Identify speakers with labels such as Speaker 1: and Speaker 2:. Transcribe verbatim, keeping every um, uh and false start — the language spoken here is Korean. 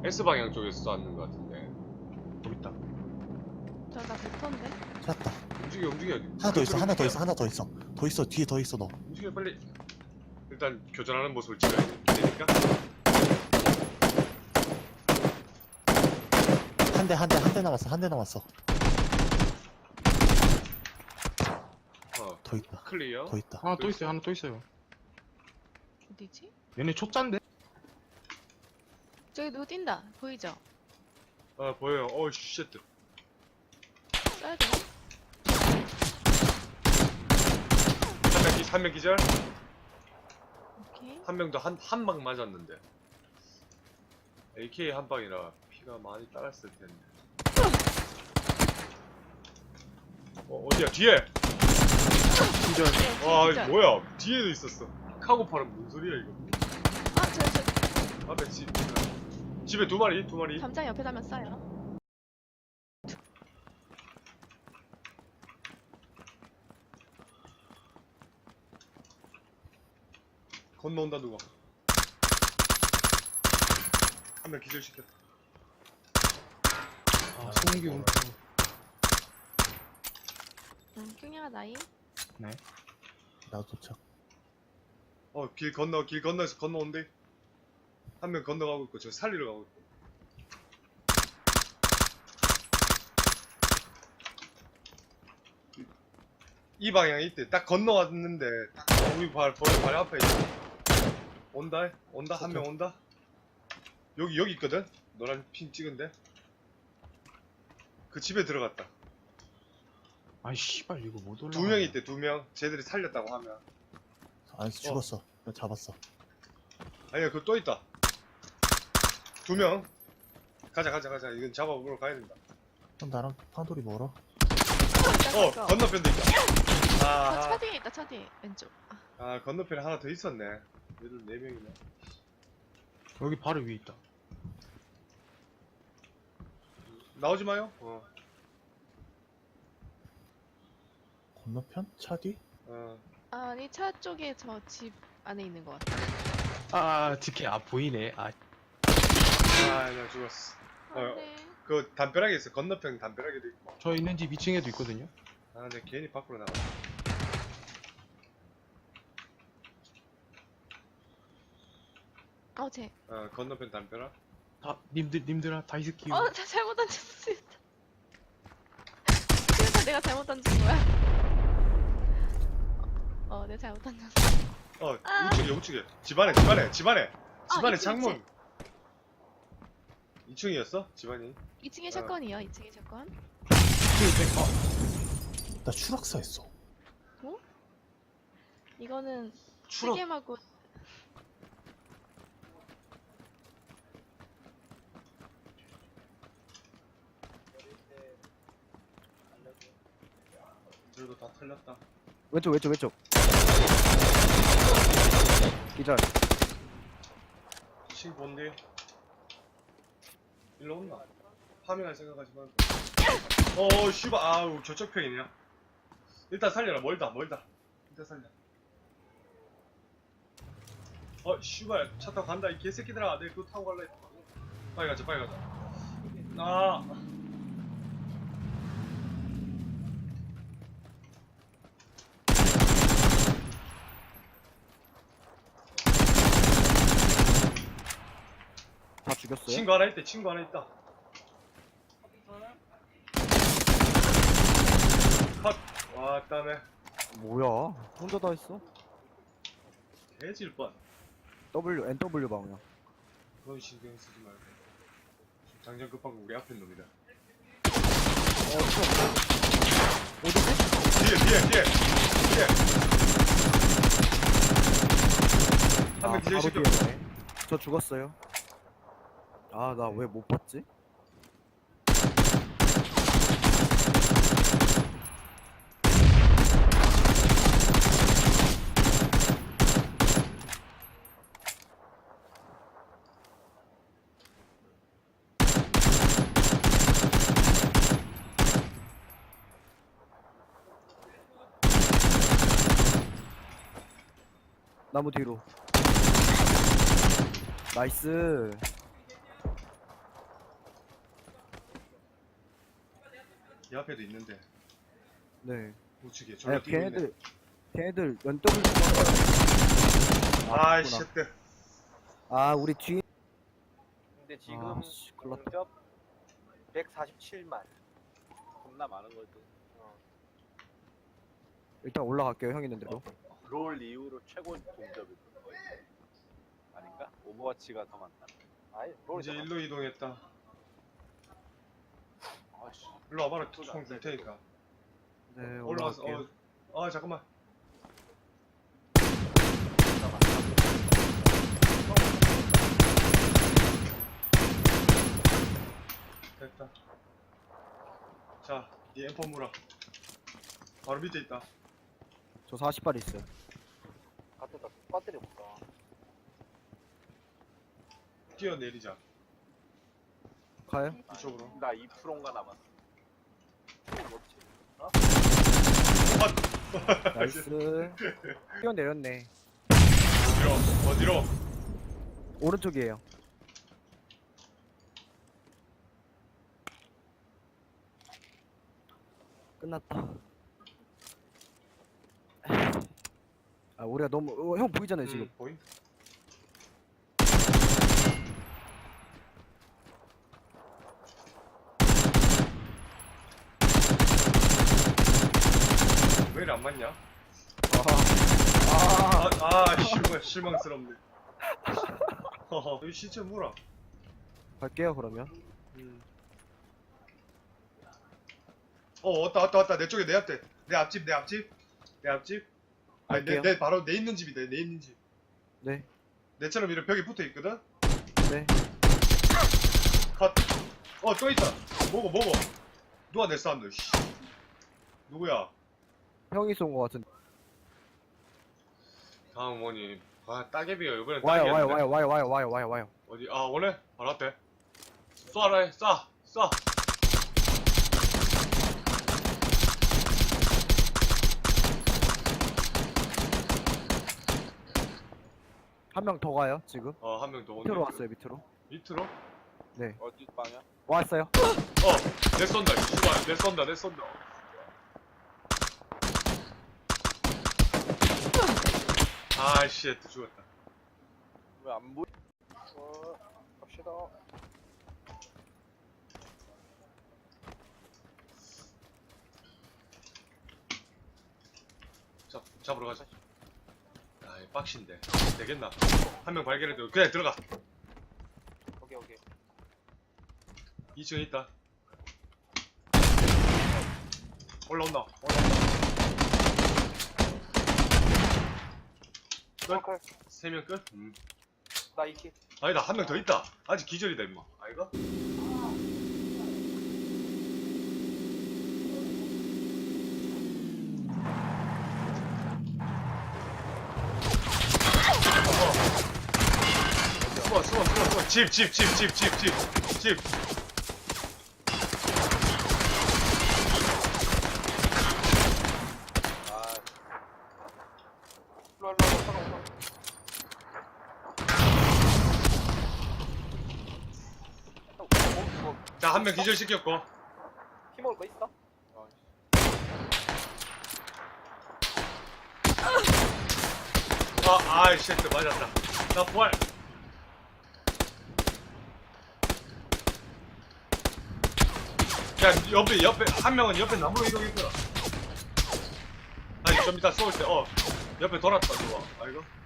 Speaker 1: S방향 쪽에서 쐈는 것 같은데.
Speaker 2: 여기 있다.
Speaker 3: 저나 벡터인데?
Speaker 4: 찾았다.
Speaker 1: 움직여 움직여.
Speaker 4: 하나 더 있어, 하나 더
Speaker 1: 움직여.
Speaker 4: 있어, 하나 더 있어. 더 있어, 뒤에 더 있어, 너.
Speaker 1: 움직여 빨리. 일단 교전하는 모습을 찍어야 되니까.
Speaker 4: 한 대, 한 대, 한 대 남았어, 한 대 남았어.
Speaker 1: 어
Speaker 4: 더 있다,
Speaker 1: 클리어.
Speaker 4: 더 있다.
Speaker 2: 하나 또 있어요. 하나 또 있어요.
Speaker 3: 어디지?
Speaker 2: 얘네 초짜인데?
Speaker 3: 저기 누구 뛴다. 보이죠?
Speaker 1: 아 보여요. 어 쉣.
Speaker 3: 쏴야 돼요?
Speaker 1: 한명 기, 한명 기절.
Speaker 3: 오케이.
Speaker 1: 한 명도 한 한 방 맞았는데. 에이케이 한 방이라 피가 많이 따랐을 텐데. 어 어디야 뒤에?
Speaker 2: 기절.
Speaker 1: 와
Speaker 3: 진짜.
Speaker 1: 이거 뭐야? 뒤에도 있었어. 카고팔은 뭔 소리야 이거?
Speaker 3: 아, 저, 저,
Speaker 1: 앞에 집 집에 두 마리 두 마리.
Speaker 3: 담장 옆에 다면 쏴요.
Speaker 1: 건너온다 누가. 한 명 기절시켰다.
Speaker 2: 아, 송기 움.
Speaker 3: 응, 킹야가 나이.
Speaker 2: 네.
Speaker 4: 나도 도착.
Speaker 1: 어 길 건너 길 건너에서 건너온대. 한 명 건너가고 있고 저 살리러 가고 있고. 이 방향에 있대. 딱 건너왔는데 딱 우리 발, 발, 발 앞에 있어. 온다 온다 한 명 온다. 여기 여기 있거든. 노란 핀 찍은데. 그 집에 들어갔다.
Speaker 2: 아이 씨발 이거 못 올라.
Speaker 1: 두 명 있대 두 명. 쟤들이 살렸다고 하면.
Speaker 4: 안에서 죽었어. 나 잡았어.
Speaker 1: 아니야 그거 또 있다. 두 명. 가자 가자 가자. 이건 잡아보러 가야 된다.
Speaker 4: 그럼 나랑 판돌이 멀어?
Speaker 1: 어 건너편도 있다.
Speaker 3: 아,
Speaker 1: 아,
Speaker 3: 차 뒤에 있다, 차 뒤에. 왼쪽. 아,
Speaker 1: 아 건너편에 하나 더 있었네. 얘들 네 명이네.
Speaker 2: 여기 바로 위에 있다.
Speaker 1: 나오지 마요. 어.
Speaker 4: 건너편? 차 뒤?
Speaker 1: 어.
Speaker 3: 아니, 차 쪽에 저 집 안에 있는 것 같아.
Speaker 2: 아, 디케 아 보이네. 아,
Speaker 1: 아, 나 죽었어. 어,
Speaker 3: 안 돼.
Speaker 1: 그 담벼락에 있어. 건너편 담벼락에도 있고.
Speaker 2: 저 있는 집 이 층에도 있거든요.
Speaker 1: 아, 내 괜히 밖으로 나가.
Speaker 3: 어, 쟤.
Speaker 1: 어, 건너편 담벼락.
Speaker 2: 다 님들 님들아 다이스키.
Speaker 3: 어, 나 잘못 던졌어, 수류탄. 수류탄 내가 잘못 던진 거야. 어, 어, 내가 잘못 던졌어.
Speaker 1: 어,
Speaker 3: 아.
Speaker 1: 우측에, 우측에. 집안에, 집안에, 집안에. 집안에
Speaker 3: 이 층,
Speaker 1: 창문. 이 층이었어? 집안이.
Speaker 3: 이 층에 샷건이요, 이 층에 샷건.
Speaker 4: 나 추락사 했어.
Speaker 3: 이거는
Speaker 1: 추락.
Speaker 3: 세겜하고
Speaker 1: 들도 다 털렸다.
Speaker 5: 왼쪽 왼쪽 왼쪽 기절.
Speaker 1: 친 본디. 일로 온나? 파밍할 생각하지 말고. 어, 씨발. 아우, 저쪽 편이냐. 일단 살려라. 멀다, 멀다. 일단 살려. 어, 씨발. 차 타고 간다. 이 개새끼들아. 내 그거 타고 갈라 했다. 빨리 가자, 빨리 가자. 아.
Speaker 5: 다 죽였어요?
Speaker 1: 친구 하나 있대, 친구 하나 있다. 컷. 와, 땀에.
Speaker 5: 뭐야 혼자 다 했어?
Speaker 1: 개질 뻔.
Speaker 5: W N W 방향.
Speaker 1: 그건 신경 쓰지 말고. 지금 당장 급한 거 우리 앞에 놈이다.
Speaker 5: 어 저 어디지?
Speaker 1: 뒤에, 뒤에, 뒤에. 뒤에.
Speaker 5: 아
Speaker 1: 한명 기절
Speaker 5: 바로
Speaker 1: 시켜.
Speaker 5: 뒤에네. 저 죽었어요. 아 나 왜 못 봤지? 나무 뒤로. 나이스.
Speaker 1: 이 앞에도 있는데
Speaker 5: 네.
Speaker 1: 우측에 저로
Speaker 5: 아,
Speaker 1: 뛰고 있네.
Speaker 5: 걔네들 걔네들 연떡을
Speaker 1: 아이
Speaker 5: 그렇구나.
Speaker 1: 쉣들.
Speaker 5: 아 우리 뒤
Speaker 6: 근데 지금
Speaker 5: 아, 씨, 큰일 났다.
Speaker 6: 공접 백사십칠만. 겁나 많은 거지. 어.
Speaker 5: 일단 올라갈게요 형 있는 대로.
Speaker 6: 롤 이후로 최고 공접일 거야. 아닌가? 오버워치가 더 많다. 아니, 롤이
Speaker 1: 이제
Speaker 6: 더
Speaker 1: 일로 이동했다.
Speaker 6: 많다. 아씨.
Speaker 1: 일로 와봐라. 총 줄 테니까.
Speaker 5: 네
Speaker 1: 올라와서
Speaker 5: 올라갈게요.
Speaker 1: 어, 아 잠깐만. 됐다. 자, 이 엠퍼 물어. 바로 밑에 있다.
Speaker 5: 저 사십 발 있어요.
Speaker 6: 갖다 배터리 볼까?
Speaker 1: 뛰어내리자.
Speaker 5: 가요?
Speaker 1: 이쪽으로.
Speaker 6: 나 이 퍼센트인가 남았어. 뭐지?
Speaker 5: 나이스. 뛰어내렸네.
Speaker 1: 어디로? 어디로?
Speaker 5: 오른쪽이에요. 끝났다. 아 우리가 너무 어, 형 보이잖아요 지금.
Speaker 1: 음, 보인? 왜 이리 안 맞냐?
Speaker 5: 아,
Speaker 1: 아, 아, 실망, 실망스럽네. 허허, 여기 시체 물어.
Speaker 5: 갈게요 그러면.
Speaker 1: 음. 어, 왔다, 왔다, 왔다. 내 쪽에 내 앞에. 내 앞집, 내 앞집. 내 앞집. 아니, 내,
Speaker 5: 갈게요.
Speaker 1: 내, 바로 내 있는 집이다, 내 있는 집.
Speaker 5: 네.
Speaker 1: 내처럼 이렇게 벽에 붙어 있거든?
Speaker 5: 네.
Speaker 1: 컷. 어, 또 있다. 뭐고, 뭐고. 누가 내 쐈노, 씨. 누구야?
Speaker 5: 형이 쏜 거 같은데.
Speaker 1: 다음 뭐니? 아, 따개비가 이번엔
Speaker 5: 와요
Speaker 1: 따개비였네.
Speaker 5: 와요 와요 와요 와요 와요 와요 와요.
Speaker 1: 어디? 아, 원래? 바로 앞에. 쏴라 해, 쏴, 쏴.
Speaker 5: 한 명 더 가요 지금.
Speaker 1: 어, 한 명 더 온다.
Speaker 5: 밑으로 왔어요 밑으로.
Speaker 1: 밑으로?
Speaker 5: 네.
Speaker 6: 어디 방향?
Speaker 5: 왔어요.
Speaker 1: 어, 내 쏜다, 씨발. 내 쏜다, 내 쏜다. 아이씨, 또 죽었다.
Speaker 6: 왜 안 보이? 어, 갑시다.
Speaker 1: 잡, 잡으러 가자. 아, 이 빡신데. 되겠나? 한 명 발견해도 그냥 들어가.
Speaker 6: 오케이, 오케이.
Speaker 1: 이 층에 있다. 올라온다. 올라온다.
Speaker 6: 정확할.
Speaker 1: 세 명 끝? 음.
Speaker 6: 나 이키.
Speaker 1: 아니다, 한 명 더 있다. 아직 기절이다, 임마. 아이가? 숨어, 숨어, 숨어, 숨어. 집, 집, 집, 집, 집, 집, 집.
Speaker 6: 아. 일로, 일로, 일로, 따라오자. 뭐,
Speaker 1: 자, 한 명 기절시켰고.
Speaker 6: 피 먹을 거 있어? 어.
Speaker 1: 아, 아이, 쉣, 맞았다. 나 부활. 야, 옆에, 옆에, 한 명은 옆에 나무로 이동했구나. 아니, 좀 이따 쏠 때, 어, 옆에 돌았다, 누가. 아이고.